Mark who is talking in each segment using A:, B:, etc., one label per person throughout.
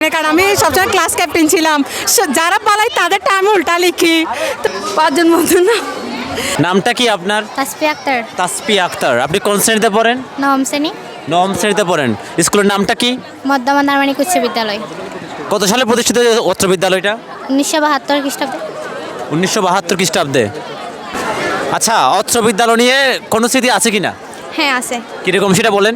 A: কারণ আমি সবসময় ক্লাস ক্যাপ্টেন ছিলাম, যারা পালাই তাদেরটা আমি উল্টা লিখি। পাঁচজন বন্ধু না।
B: নামটা কি আপনার?
C: তাসফি আক্তার।
B: তাসফি আক্তার। আপনি কোন শ্রেণীতে পড়েন?
C: নবম শ্রেণী।
B: নবম শ্রেণীতে পড়েন। স্কুলের নামটা কি?
C: মধ্যমান নারমানিক উচ্চ বিদ্যালয়।
B: কত সালে প্রতিষ্ঠিত উচ্চ বিদ্যালয়টা?
C: 1972 খ্রিস্টাব্দে।
B: 1972 খ্রিস্টাব্দে। আচ্ছা, অত্র বিদ্যালয় নিয়ে কোনো স্মৃতি আছে কি না?
C: হ্যাঁ আছে।
B: কীরকম সেটা বলেন।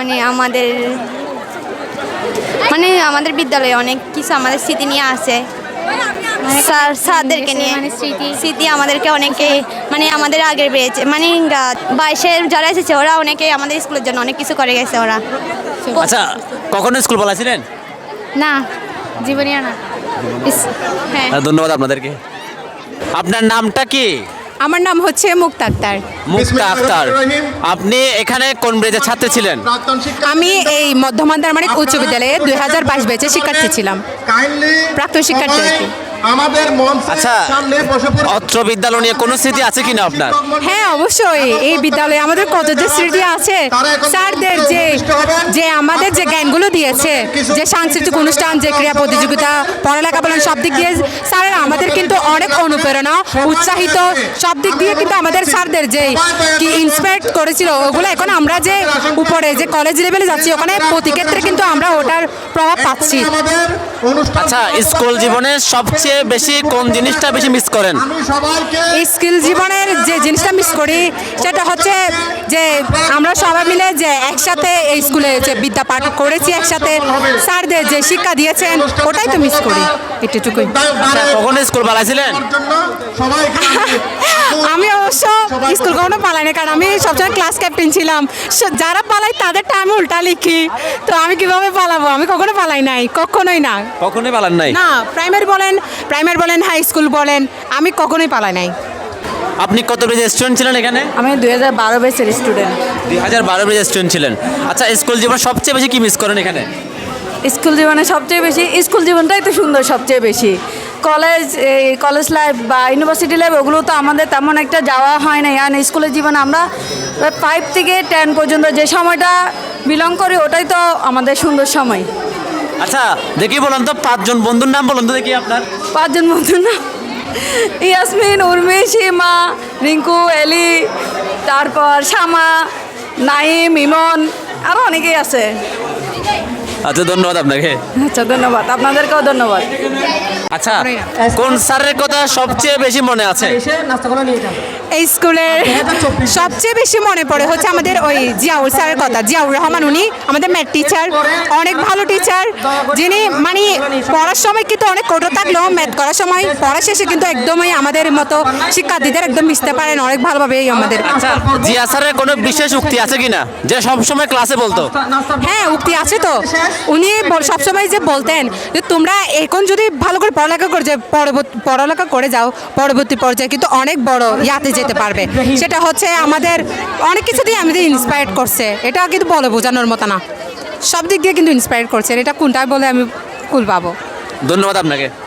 C: আমাদের বিদ্যালয়ে অনেক কিছু আমাদের স্মৃতি নিয়ে আছে। স্যারদেরকে নিয়ে স্মৃতি আমাদেরকে অনেকে আমাদের আগের বেড়েছে 22-এর যারা এসেছে ওরা অনেকে আমাদের স্কুলের জন্য অনেক কিছু করে গেছে ওরা।
B: আচ্ছা, কখনো স্কুল পালাইছিলেন?
C: না, জীবনীয় না। হ্যাঁ,
B: ধন্যবাদ আপনাদেরকে। আপনার নামটা কি?
A: আমার নাম হচ্ছে মুক্তা আক্তার।
B: মুক্তা আক্তার। আপনি এখানে কোন ব্রেজের ছাত্র ছিলেন?
A: আমি এই মধ্যমান নারমানিক উচ্চ বিদ্যালয়ে 2022 ব্যাচের শিক্ষার্থী ছিলাম, প্রাক্তন শিক্ষার্থী আর কি।
B: আচ্ছা, অত্র বিদ্যালয় নিয়ে কোনো স্মৃতি আছে কিনা আপনার?
A: হ্যাঁ অবশ্যই, এই বিদ্যালয়ে আমাদের কত যে স্মৃতি আছে। স্যারদের যে আমাদের যে জ্ঞানগুলো দিয়েছে, যে সাংস্কৃতিক অনুষ্ঠান, যে ক্রীড়া প্রতিযোগিতা, পড়ালেখা বলেন, সব দিক দিয়ে স্যারেরা আমাদের কিন্তু অনেক অনুপ্রেরণা, উৎসাহিত, সব দিক দিয়ে কিন্তু আমাদের স্যারদের যে কি ইন্সপায়ার করেছিল ওগুলো এখন আমরা যে উপরে যে কলেজ লেভেলে যাচ্ছি ওখানে প্রতি ক্ষেত্রে কিন্তু আমরা ওটার প্রভাব পাচ্ছি।
B: আচ্ছা, স্কুল জীবনে সবচেয়ে বেশি কোন জিনিসটা বেশি মিস করেন?
A: এই স্কুল জীবনের যে জিনিসটা মিস করি সেটা হচ্ছে যে আমরা সবাই মিলে যে একসাথে এই স্কুলে যে বিদ্যা পাঠ করেছি, একসাথে স্যারদের যে শিক্ষা দিয়েছেন ওটাই তো মিস করি, এটুকুই।
B: কখনো স্কুল পালাইছিলেন?
A: আমি অবশ্য স্কুল কখনো পালাই না, কারণ আমি সবসময় ক্লাস ক্যাপ্টেন ছিলাম, যারা পালাই তাদেরটা আমি উল্টা লিখি। তো আমি কিভাবে পালাবো? আমি কখনো পালাই নাই, কখনোই না।
B: কখনোই পালান নাই?
A: না, প্রাইমারি বলেন হাই স্কুল বলেন, আমি কখনোই পালাই নাই।
B: আপনি কত ব্রেজের স্টুডেন্ট ছিলেন এখানে?
A: আমি 2012 ব্যাচের স্টুডেন্ট।
B: 2012 ব্রেজের স্টুডেন্ট ছিলেন। আচ্ছা, স্কুল জীবন সবচেয়ে বেশি কি মিস করেন এখানে?
A: স্কুল জীবনে সবচেয়ে বেশি, স্কুল জীবনটাই তো সুন্দর সবচেয়ে বেশি। কলেজ লাইফ বা ইউনিভার্সিটি লাইফ ওগুলো তো আমাদের তেমন একটা যাওয়া হয় না। আর স্কুলের জীবনে আমরা 5 থেকে 10 পর্যন্ত যে সময়টা বিলং করি ওটাই তো আমাদের সুন্দর সময়।
B: আচ্ছা, দেখি বলুন তো 5 জন বন্ধুর নাম বলুন তো দেখি আপনার।
A: 5 জন বন্ধুর নাম ইয়াসমিন, উর্মি, সীমা, রিঙ্কু, এলি, তারপর শামা, নাইম, ইমন, আরও অনেকেই আছে।
B: আচ্ছা, ধন্যবাদ আপনাকে।
A: আচ্ছা, ধন্যবাদ আপনাদেরকেও ধন্যবাদ।
B: আচ্ছা, কোন স্যারের কথা সবচেয়ে বেশি মনে আছে?
A: এই স্কুলের সবচেয়ে বেশি মনে পড়ে হচ্ছে আমাদের ওই জিয়াউর স্যারের কথা। জিয়াউর রহমান, উনি আমাদের ম্যাথ টিচার, অনেক ভালো টিচার, যিনি পড়ার সময় কিন্তু অনেক কঠোর থাকলেও ম্যাথ করার সময় পড়া শেষে কিন্তু একদমই আমাদের মতো শিক্ষার্থীদের একদম মিশতে পারেন অনেক ভালোভাবে আমাদের।
B: আচ্ছা, জিয়া স্যারের কোনো বিশেষ উক্তি আছে কিনা যে সবসময় ক্লাসে বলতো?
A: হ্যাঁ, উক্তি আছে তো। উনি সবসময় যে বলতেন যে তোমরা এখন যদি ভালো করে পড়ালেখা করে যাও, পরবর্তী পর্যায়ে কিন্তু অনেক বড় ইয়াতে যেতে পারবে। সেটা হচ্ছে আমাদের অনেক কিছু দিয়ে আমাদের ইন্সপায়ার করছে। এটা কিন্তু বলে বোঝানোর মতো না, সব দিক দিয়ে কিন্তু ইন্সপায়ার করছে। এটা কোনটা বলে আমি কুল পাবো।
B: ধন্যবাদ আপনাকে।